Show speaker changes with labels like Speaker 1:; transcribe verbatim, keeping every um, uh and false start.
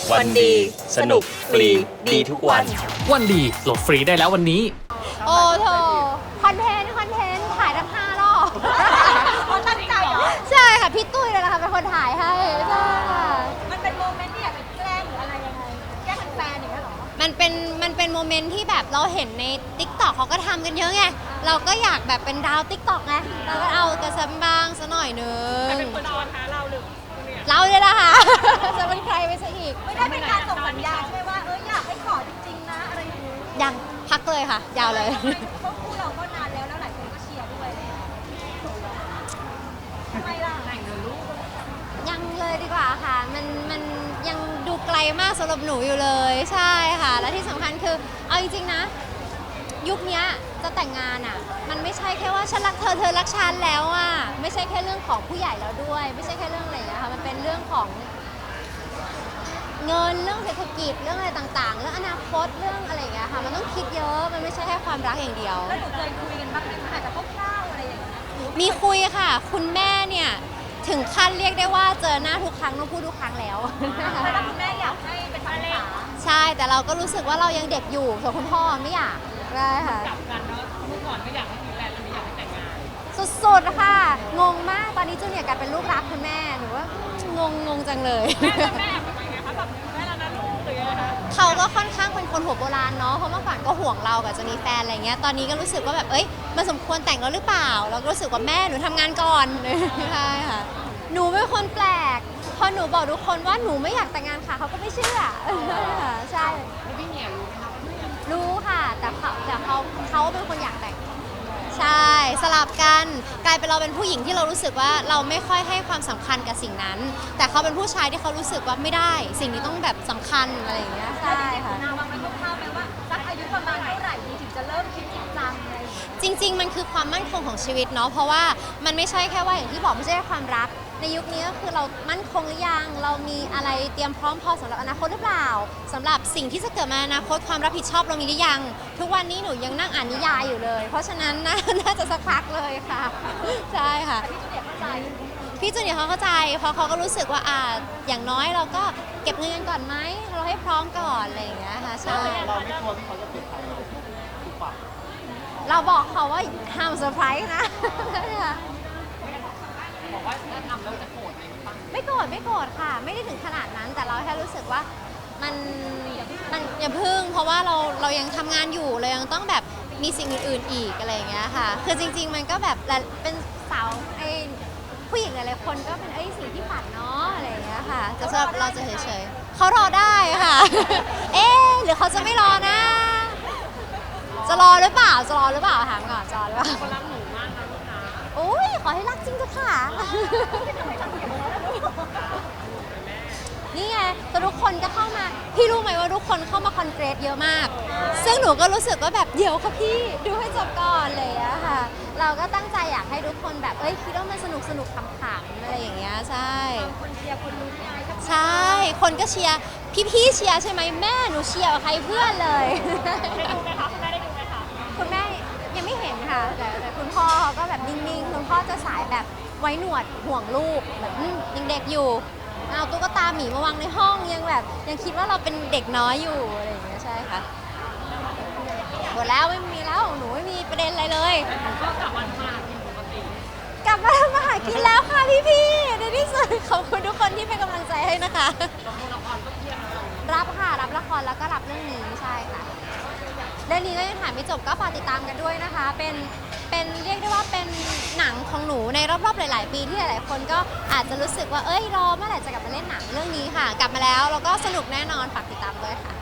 Speaker 1: วันดีสนุกฟรีดีทุกวัน
Speaker 2: วันดีโหลดฟรีได้แล้ววันนี้
Speaker 3: โอ้โถคอนเทนต์คอนเทนต์ถ่ายทั้งห้ารอบเขาตั้งใจเหรอใช่ค่ะพี่ตุ้ยเลยนะคะเป็นคนถ่ายให้ใช่ค่ะมันเป็นโมเมนต์ที่อยากจะแกล้งหรืออะไรยังไงแกล้งแฟนอย่างเงี้ยหรอมันเป็นมันเป็นโมเมนต์ที่แบบเราเห็นใน ติ๊กต็อก เขาก็ทำกันเยอะไงเราก็อยากแบบเป็นดาว ติ๊กต็อก ไงเราก็เอากระซับบ้างซะหน่อยนึงใครเป็นคนชวนคะเราหรือเราเลยล่ะค่ะจะเป็นใครไปซะอีกไม่ได้เป็นการส่งสัญญาณใช่ไหมว่าเอออยากให้ขอจริงๆนะอะไรอย่างนี้ยังพักเลยค่ะยาวเลยเพราะคู่เราก็นานแล้วแล้วหลายคนก็เชียร์ด้วยทำไมล่ะยังเลยดีกว่าค่ะมันมันยังดูไกลมากสำหรับหนูอยู่เลยใช่ค่ะและที่สำคัญคือเอาจริงๆนะยุคนี้จะแต่งงานอ่ะมันไม่ใช่แค่ว่าฉันรักเธอเธอรักฉันแล้วอ่ะไม่ใช่แค่เรื่องของผู้ใหญ่แล้วด้วยไม่ใช่แค่เรื่องอะไรอย่างเงี้ยค่ะมันเป็นเรื่องของเงินเรื่องเศรษฐกิจเรื่องอะไรต่างๆเรื่องอนาคตเรื่องอะไรอย่างเงี้ยค่ะมันต้องคิดเยอะมันไม่ใช่แค่ความรักอย่างเดียวแล้วหนูเคยคุยกันบ้างไหมอาจจะคร่าวๆอะไรอย่างเงี้ยมีคุยค่ะคุณแม่เนี่ยถึงขั้นเรียกได้ว่าเจอหน้าทุกครั้งต้องพูดทุกครั้งแล้วแล้วคุณแม่อยากให้เป็นภรรยาใช่แต่เราก็รู้สึกว่าเรายังเด็กอยู่ส่วนคุณพ่อไม่อยากได้ค่ะกลับกันเนาะเมื่อก่อนก็อยากให้มีแฟนแล้วไม่อยากให้แต่งงานสุดๆค่ะงงมากตอนนี้จูเนียร์กลายเป็นลูกรักคุณแม่หนูว่างงงงจังเลยแม่แม่เป็นไงคะแบบแม่แล้วนะลูกหรือยังไงคะเขาก็ค่อนข้างเป็นคนหัวโบราณเนาะเพราะเมื่อก่อนก็ห่วงเรากับจะมีแฟนอะไรเงี้ยตอนนี้ก็รู้สึกว่าแบบเอ้ยมันสมควรแต่งแล้วหรือเปล่าเราก็รู้สึกว่าแม่หนูทำงานก่อนใช่ค่ะหนูเป็นคนแปลกพอหนูบอกทุกคนว่าหนูไม่อยากแต่งงานค่ะเขาก็ไม่เชื่อใช่พี่เนียรู้ไหมคะรู้ค่ะแต่เขาแต่เขาเขาเป็นคนอยากแต่งใช่สลับกันกลายเป็นเราเป็นผู้หญิงที่เรารู้สึกว่าเราไม่ค่อยให้ความสำคัญกับสิ่งนั้นแต่เขาเป็นผู้ชายที่เขารู้สึกว่าไม่ได้สิ่งนี้ต้องแบบสำคัญอะไรอย่างเงี้ยใช่ค่ะนาวางไว้คร่าวๆไหมว่าสักอายุประมาณเท่าไหร่ดีถึงจะเริ่มคิดจริงจังอะไรจริงๆมันคือความมั่นคงของชีวิตเนาะเพราะว่ามันไม่ใช่แค่ว่าอย่างที่บอกไม่ใช่แค่ความรักในยุคนี้ก็คือเรามั่นคงหรือยังเรามีอะไรเตรียมพร้อมพอสำหรับอนาคตหรือเปล่าสำหรับสิ่งที่จะเกิดมาอนาคตความรับผิดชอบเรามีหรือยังทุกวันนี้หนูยังนั่งอ่านนิยายอยู่เลยเพราะฉะนั้นน่าน่าจะสักพักเลยค่ะใช่ค่ะพี่จูเนียร์เข้าใจพี่จูเนียร์เขาเข้าใจเพราะเขาก็รู้สึกว่าอ่าอย่างน้อยเราก็เก็บเงินกันก่อนไหมเราให้พร้อมก่อนอะไรอย่างเงี้ยค่ะใช่เราไม่กลัวที่เขาจะเปลี่ยนใจถูกปะเราบอกเขาว่าห้ามเซอร์ไพรส์นะบอกว่าถ้าทำแล้วจะโกรธไหมไม่โกรธไม่โกรธค่ะไม่ได้ถึงขนาดนั้นแต่เราแค่รู้สึกว่ามันมันอย่าพึ่งเพราะว่าเราเรายังทำงานอยู่เรายังต้องแบบมีสิ่งอื่นๆอีกอะไรอย่างเงี้ยค่ะคือจริงๆมันก็แบบเป็นสาวไอ้ผู้หญิงหลายๆคนก็เป็นไอ้สิ่งที่ฝันเนาะอะไรอย่างเงี้ยค่ะจะสำหรับเราจะเฉยๆเขารอได้ค่ะเอ๊ะหรือเขาจะไม่รอนะจะรอหรือเปล่าจะรอหรือเปล่าถามก่อนจะรอหรือเปล่าคนรักหนูมากนะลูกนะโอ้ยขอให้รักจริงเถอะค่ะนี่ไงแต่ทุกคนก็เข้ามาพี่รู้ไหมว่าทุกคนเข้ามาคอนเกรสเยอะมากซึ่งหนูก็รู้สึกว่าแบบเดี๋ยวค่ะพี่ดูให้จบก่อนเลยอะค่ะเราก็ตั้งใจอยากให้ทุกคนแบบเอ้ยคิดว่ามันสนุกสนุกขำๆอะไรอย่างเงี้ยใช่คนเชียร์คนรู้ใจใช่คนก็เชียร์พี่ๆเชียร์ใช่ไหมแม่หนูเชียร์กับใครเพื่อนเลยได้ดูไหมคะคุณแม่ได้ดูไหมคะคุณแม่ยังไม่เห็นค่ะแต่แต่คุณพ่อเขาก็แบบนิ่งๆคุณพ่อจะสายแบบไว้หนวดห่วงลูกแบบยังเด็กอยู่เอาตุ๊กตาหมีมาวางในห้องยังแบบยังคิดว่าเราเป็นเด็กน้อยอยู่อะไรอย่างเงี้ยใช่ค่ะหมดแล้วไม่มีแล้วหนูไม่มีประเด็นอะไรเลยก็กลับมาทำมาหากินปกติกลับมาทำมาหากินแล้วค่ะพี่ๆในที่สุดขอบคุณทุกคนที่เป็นกำลังใจให้นะคะรับค่ะรับละครแล้วก็รับเรื่องนี้ใช่ค่ะเรื่องนี้ก็ยังถ่ายไม่จบก็ฝากติดตามกันด้วยนะคะเป็นเป็นเรียกได้ว่าเป็นหนังของหนูในรอบๆหลายๆปีที่หลายๆคนก็อาจจะรู้สึกว่าเอ้ยรอเมื่อไหร่จะกลับมาเล่นหนังเรื่องนี้ค่ะกลับมาแล้วแล้วก็สนุกแน่นอนฝากติดตามด้วยค่ะ